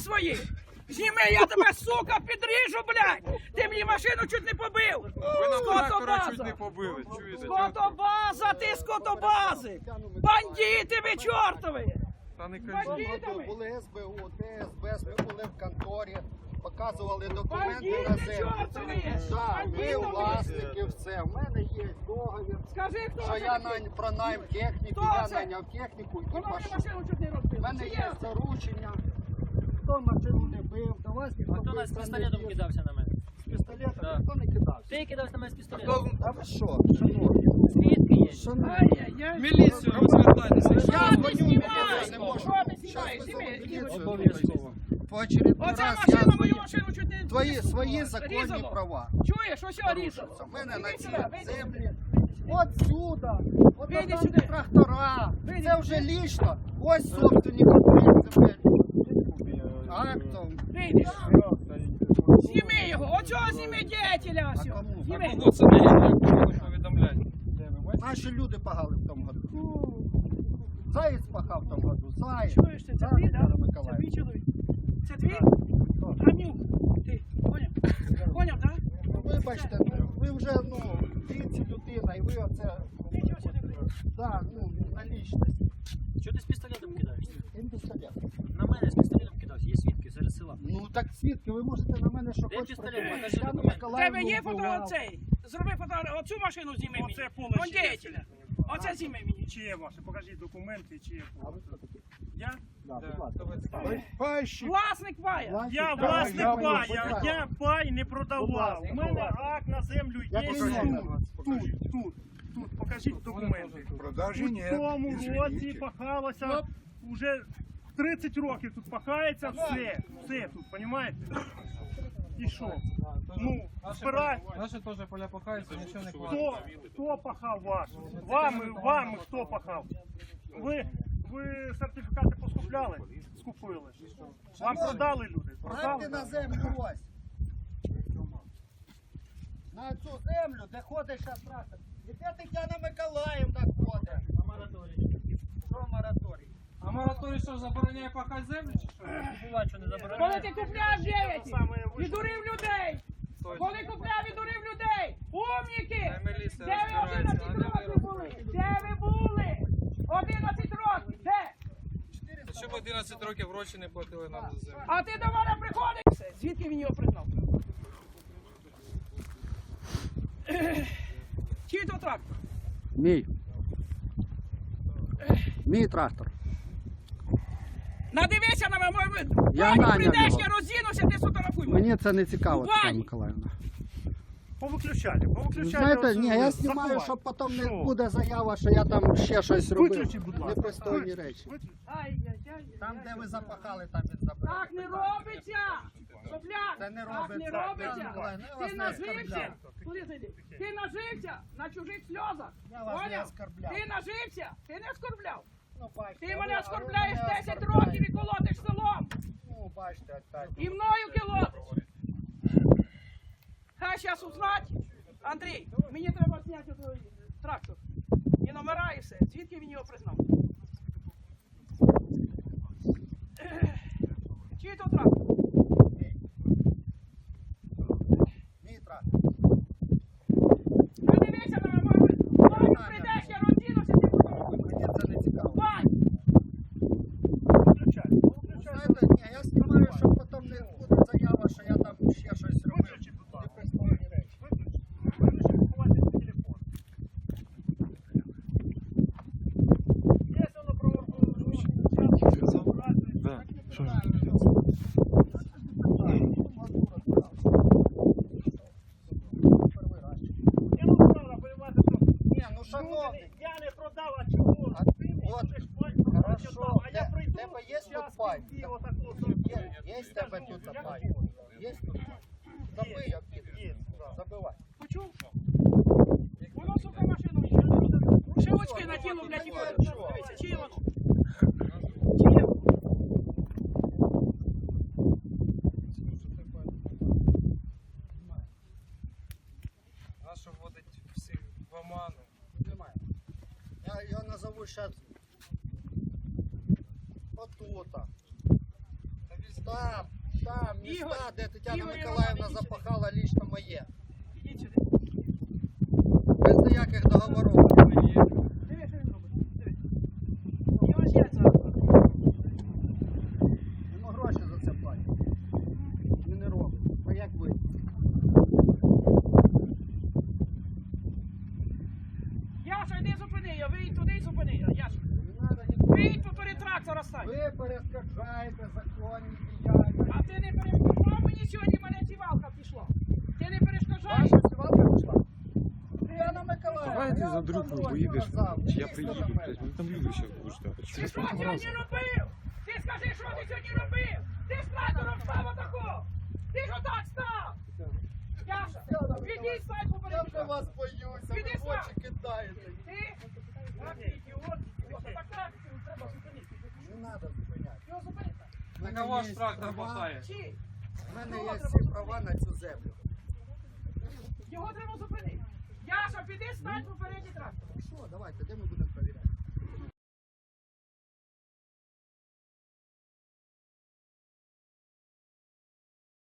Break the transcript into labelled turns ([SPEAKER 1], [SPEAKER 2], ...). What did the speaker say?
[SPEAKER 1] свої! Зніми, я тебе, сука, підріжу, блядь! Ти мені машину чуть не побив!
[SPEAKER 2] Ви нам трактора чуть
[SPEAKER 1] Скотобаза!
[SPEAKER 2] не побили, чуєте?
[SPEAKER 1] Скотобаза, ти скотобази! Бандити ви чортові!
[SPEAKER 2] Та не кажіть.
[SPEAKER 1] Бандитами!
[SPEAKER 3] Були СБУ, ДСБ, ми були в конторі, показували документи на
[SPEAKER 1] Бандити
[SPEAKER 3] землю.
[SPEAKER 1] чортові!
[SPEAKER 3] Так, ви
[SPEAKER 1] Бандитами!
[SPEAKER 3] власники, все. У мене є договір,
[SPEAKER 1] Скажи, хто
[SPEAKER 3] що
[SPEAKER 1] це
[SPEAKER 3] я
[SPEAKER 1] такий?
[SPEAKER 3] про найм техніки,
[SPEAKER 1] Хто
[SPEAKER 3] я
[SPEAKER 1] це?
[SPEAKER 3] найняв техніку і
[SPEAKER 1] Воно мені
[SPEAKER 3] пішов.
[SPEAKER 1] машину чуть не
[SPEAKER 3] У
[SPEAKER 1] розбив.
[SPEAKER 3] мене
[SPEAKER 1] Чи
[SPEAKER 3] є заручення. Хто машину не бив, до вас ніхто
[SPEAKER 4] Хто нас з пістолетом кидався на мене?
[SPEAKER 3] з пістолетом?
[SPEAKER 4] Да.
[SPEAKER 3] Ніхто не кидався.
[SPEAKER 4] Ти кидався на мене з пістолетом.
[SPEAKER 3] А ви що, шановні?
[SPEAKER 4] Свідки є.
[SPEAKER 3] Шановні.
[SPEAKER 1] Ай-яй-яй!
[SPEAKER 2] Міліцію розвертайтеся.
[SPEAKER 1] Я
[SPEAKER 3] дзвоню
[SPEAKER 1] не
[SPEAKER 3] в
[SPEAKER 1] знімаю!
[SPEAKER 3] міліцію, не можу.
[SPEAKER 1] Що ти знімаєш?
[SPEAKER 3] Щас
[SPEAKER 1] Зніми,
[SPEAKER 3] визову
[SPEAKER 1] іди
[SPEAKER 3] міліцію.
[SPEAKER 1] сюди.
[SPEAKER 4] Обов'язково.
[SPEAKER 3] По очередной
[SPEAKER 1] Оця
[SPEAKER 3] раз
[SPEAKER 1] машина
[SPEAKER 3] я
[SPEAKER 1] мою машину чуть не...
[SPEAKER 3] свої
[SPEAKER 1] не
[SPEAKER 3] законні
[SPEAKER 1] різало.
[SPEAKER 3] права.
[SPEAKER 1] Чуєш, ось його різало.
[SPEAKER 3] У мене на
[SPEAKER 1] Іди
[SPEAKER 3] цій
[SPEAKER 1] сюди, вийди
[SPEAKER 3] землі.
[SPEAKER 1] сюди.
[SPEAKER 3] От сюди. От
[SPEAKER 1] Вийди
[SPEAKER 3] там
[SPEAKER 1] сюди.
[SPEAKER 3] трактора.
[SPEAKER 1] Вийди
[SPEAKER 3] Це вже
[SPEAKER 1] сюди.
[SPEAKER 3] лічно. Ось собственник земель. Актом.
[SPEAKER 1] Вийдеш. Зніми його, оцього зніми дятеля ось.
[SPEAKER 3] А кому?
[SPEAKER 1] Зніми.
[SPEAKER 2] Кому це не є? Повідомляйте.
[SPEAKER 3] Наші люди пахали в тому году. Заєць пахав в тому году. Заєць.
[SPEAKER 1] Чуєш ти, це
[SPEAKER 3] Так,
[SPEAKER 1] твій, так?
[SPEAKER 3] Микола
[SPEAKER 1] Це
[SPEAKER 3] Миколаївич.
[SPEAKER 1] твій чоловік? Це твій? Гамнюк. Ти, поняв? Поняв, так?
[SPEAKER 3] Вибачте, ви вже, віці людина, і ви оце,
[SPEAKER 1] Нічого сюди прийде.
[SPEAKER 3] на лічність.
[SPEAKER 4] Чого ти з пістолетом кидаєшся?
[SPEAKER 3] Він пістолет.
[SPEAKER 4] На мене з пістолетом кидався. Є свідки серед села.
[SPEAKER 3] Ну так свідки, ви можете на мене що
[SPEAKER 4] Де
[SPEAKER 3] хочете.
[SPEAKER 4] пістолет?
[SPEAKER 3] придумати.
[SPEAKER 4] Покажи
[SPEAKER 3] Тетяну
[SPEAKER 4] документ.
[SPEAKER 1] В
[SPEAKER 3] Миколаївну
[SPEAKER 1] тебе є
[SPEAKER 3] вбивав.
[SPEAKER 1] фото цей? Зроби фото, оцю машину зніми мені.
[SPEAKER 5] Оце поле
[SPEAKER 1] Он
[SPEAKER 5] чиє?
[SPEAKER 1] дятеля. Оце зніми мені.
[SPEAKER 5] Чиє ваше? Покажіть документи, чиє
[SPEAKER 3] А ви
[SPEAKER 5] поле.
[SPEAKER 3] хто такі?
[SPEAKER 5] Я?
[SPEAKER 3] Да,
[SPEAKER 2] Да,
[SPEAKER 3] будь ласка.
[SPEAKER 2] хто ви такий?
[SPEAKER 3] Пайщик.
[SPEAKER 1] Власник пая.
[SPEAKER 5] Я
[SPEAKER 3] Да,
[SPEAKER 5] власник
[SPEAKER 3] я
[SPEAKER 5] пая,
[SPEAKER 3] понял.
[SPEAKER 5] я пай не
[SPEAKER 3] Будь
[SPEAKER 5] продавав.
[SPEAKER 3] ласка,
[SPEAKER 5] У мене
[SPEAKER 3] будь ласка.
[SPEAKER 5] акт на землю є
[SPEAKER 3] Який
[SPEAKER 5] тут.
[SPEAKER 3] номер?
[SPEAKER 5] Тут, покажіть документи.
[SPEAKER 6] Продажі
[SPEAKER 5] У
[SPEAKER 6] ні.
[SPEAKER 5] тому році
[SPEAKER 6] Извините.
[SPEAKER 5] пахалося, вже 30 років тут пахається, все тут, розумієте? І що? Ну, збирай.
[SPEAKER 2] Наші теж поля пахаються, нічого не кладуть.
[SPEAKER 5] Хто пахав ваш? Вам хто пахав? Ви сертифікати поскупляли? Скупили. Вам продали люди?
[SPEAKER 3] Гляньте
[SPEAKER 5] Продали?
[SPEAKER 3] на землю ось. На цю землю, де ходить зараз трактор. І де Тетяна Миколаївна ходить?
[SPEAKER 4] На мораторії.
[SPEAKER 3] Що мораторій?
[SPEAKER 2] А мораторій що, забороняє пахати землю чи що?
[SPEAKER 4] Буває, що не
[SPEAKER 1] Коли
[SPEAKER 4] забороняє.
[SPEAKER 1] ти купляв деяті,
[SPEAKER 5] Саме
[SPEAKER 1] відурив людей. Коли купляв, відурив людей. Умніки!
[SPEAKER 2] Хай міліція
[SPEAKER 1] Де ви
[SPEAKER 2] розбирається,
[SPEAKER 1] 11
[SPEAKER 2] а не ви
[SPEAKER 1] років були? Де ви були? 11 років, де?
[SPEAKER 2] Щоб 11 років гроші не платили нам за землю.
[SPEAKER 1] А ти до мене приходиш? Звідки він його пригнав? Чий то трактор?
[SPEAKER 3] Мій. Мій трактор.
[SPEAKER 1] Надивися на мене,
[SPEAKER 3] Я
[SPEAKER 1] Ваню,
[SPEAKER 3] наняв
[SPEAKER 1] прийдеш,
[SPEAKER 3] його.
[SPEAKER 1] я роздінуся, ти сфотографуй мене.
[SPEAKER 3] Мені це не цікаво,
[SPEAKER 1] Вань!
[SPEAKER 3] Тетяна Миколаївна.
[SPEAKER 5] Повиключайте.
[SPEAKER 3] Знаєте, ні, я знімаю, щоб потім не буде заява, що я там ще щось робив.
[SPEAKER 5] Виключіть, будь ласка.
[SPEAKER 3] Непристойні речі.
[SPEAKER 1] Ай-яй-яй.
[SPEAKER 3] Там, де ви запахали, там він забрав.
[SPEAKER 1] Так не робиться! Сопляк!
[SPEAKER 3] Це не
[SPEAKER 1] Так не
[SPEAKER 3] робиться.
[SPEAKER 1] робиться!
[SPEAKER 3] Тетяна Миколаївна, я вас
[SPEAKER 1] Ти
[SPEAKER 3] не
[SPEAKER 1] нажився!
[SPEAKER 3] оскорбляв.
[SPEAKER 1] Куди зайди? Ти нажився на чужих сльозах!
[SPEAKER 3] Я вас не
[SPEAKER 1] Поняв?
[SPEAKER 3] оскорбляв.
[SPEAKER 1] Ти нажився! Ти не оскорбляв!
[SPEAKER 3] Ну, бачите,
[SPEAKER 1] Ти
[SPEAKER 3] а
[SPEAKER 1] мене
[SPEAKER 3] ви
[SPEAKER 1] оскорбляєш
[SPEAKER 3] мене
[SPEAKER 1] 10
[SPEAKER 3] оскорбляєте.
[SPEAKER 1] років і колотиш селом!
[SPEAKER 3] Ну, бачите, опять.
[SPEAKER 1] І мною колотиш! Хай зараз узнать! Андрій, мені треба зняти той трактор. І номера і все. Звідки він його признав? Чий то трактор?
[SPEAKER 3] Мій трактор.
[SPEAKER 1] Подивися на мене, Ваню, прийдеш, я роздінуся, ти фотографуй.
[SPEAKER 3] Мені це не цікаво.
[SPEAKER 1] Вань!
[SPEAKER 5] Повиключайте.
[SPEAKER 3] Знаєте, ні, я знімаю, щоб потім не буде заява, що я там ще щось робив.
[SPEAKER 5] Виключіть, будь ласка.
[SPEAKER 3] Непристойні речі.
[SPEAKER 5] Виключіть, ховайте телефон. Є воно про... Я не знала, понимаєте, що...
[SPEAKER 3] Ні, ну шановний.
[SPEAKER 5] Я не продав, а чого?
[SPEAKER 3] А,
[SPEAKER 5] Ти мені
[SPEAKER 3] от,
[SPEAKER 5] будеш платити,
[SPEAKER 3] хорошо.
[SPEAKER 5] а я прийду,
[SPEAKER 3] Тебе є
[SPEAKER 5] я
[SPEAKER 3] тут пай?
[SPEAKER 5] собі отаку
[SPEAKER 3] Є в тебе тут пай? Є тут пай? Забий, як
[SPEAKER 5] Є,
[SPEAKER 3] забивай.
[SPEAKER 1] Почув? Воно, сука, машину ще очки на тіло, блядь, і ходить. Дивіться, чиє воно? Чиє?
[SPEAKER 2] Нащо вводить всіх в оману?
[SPEAKER 3] Немає. Я його назову зараз отута.
[SPEAKER 2] Та візьміть.
[SPEAKER 3] Там міста,
[SPEAKER 1] Ігор,
[SPEAKER 3] де Тетяна
[SPEAKER 1] Ігор
[SPEAKER 3] Миколаївна
[SPEAKER 1] Іванович,
[SPEAKER 3] запахала лічно моє.
[SPEAKER 1] Ідіть сюди.
[SPEAKER 3] Без ніяких договорів.
[SPEAKER 1] Диви, що він робить. Диви. Його ж яйця.
[SPEAKER 3] Йому гроші за це платять. Він не робить. А як ви?
[SPEAKER 1] Яша, йди зупини його, вийдь туди і зупини його. Яша.
[SPEAKER 3] Не треба нікого.
[SPEAKER 1] Вийдь поперед трактора стань.
[SPEAKER 3] Ви перескажаєте законні діяння.
[SPEAKER 1] А ти не перешкоджав мені сьогодні, мене цівалка пішла. Ти не перешкоджаєш?
[SPEAKER 3] Ваша сівалка пішла? Тетяна Миколаївна.
[SPEAKER 6] Давай ти
[SPEAKER 3] я
[SPEAKER 6] за
[SPEAKER 3] вам
[SPEAKER 6] другу
[SPEAKER 3] давно
[SPEAKER 6] поїдеш,
[SPEAKER 3] казав,
[SPEAKER 6] чи я
[SPEAKER 3] не
[SPEAKER 6] приїду,
[SPEAKER 3] лізьте до мене.
[SPEAKER 6] блядь, ну там люди ще будуть ждати.
[SPEAKER 1] Ти що сьогодні робив? Ти скажи, що ти сьогодні робив? Ти з трактором став отако! Ти ж отак став! Яша, підіть, стань
[SPEAKER 3] Я
[SPEAKER 1] поперед.
[SPEAKER 3] вже вас боюся,
[SPEAKER 1] Піди
[SPEAKER 3] ви в
[SPEAKER 1] сам.
[SPEAKER 3] очі кидаєте.
[SPEAKER 1] Ти? Так, ти ідіот. Так трактор треба зупинити.
[SPEAKER 3] Не треба зупиняти.
[SPEAKER 1] Його зупинити.
[SPEAKER 3] В мене
[SPEAKER 2] На ваш
[SPEAKER 3] є
[SPEAKER 2] трактор
[SPEAKER 3] права.
[SPEAKER 2] мотає.
[SPEAKER 1] Чи?
[SPEAKER 3] В мене є всі права на цю землю.
[SPEAKER 1] Його треба зупинити. Яша, піди, стань попереді трактора.
[SPEAKER 3] Що, давайте, де ми будемо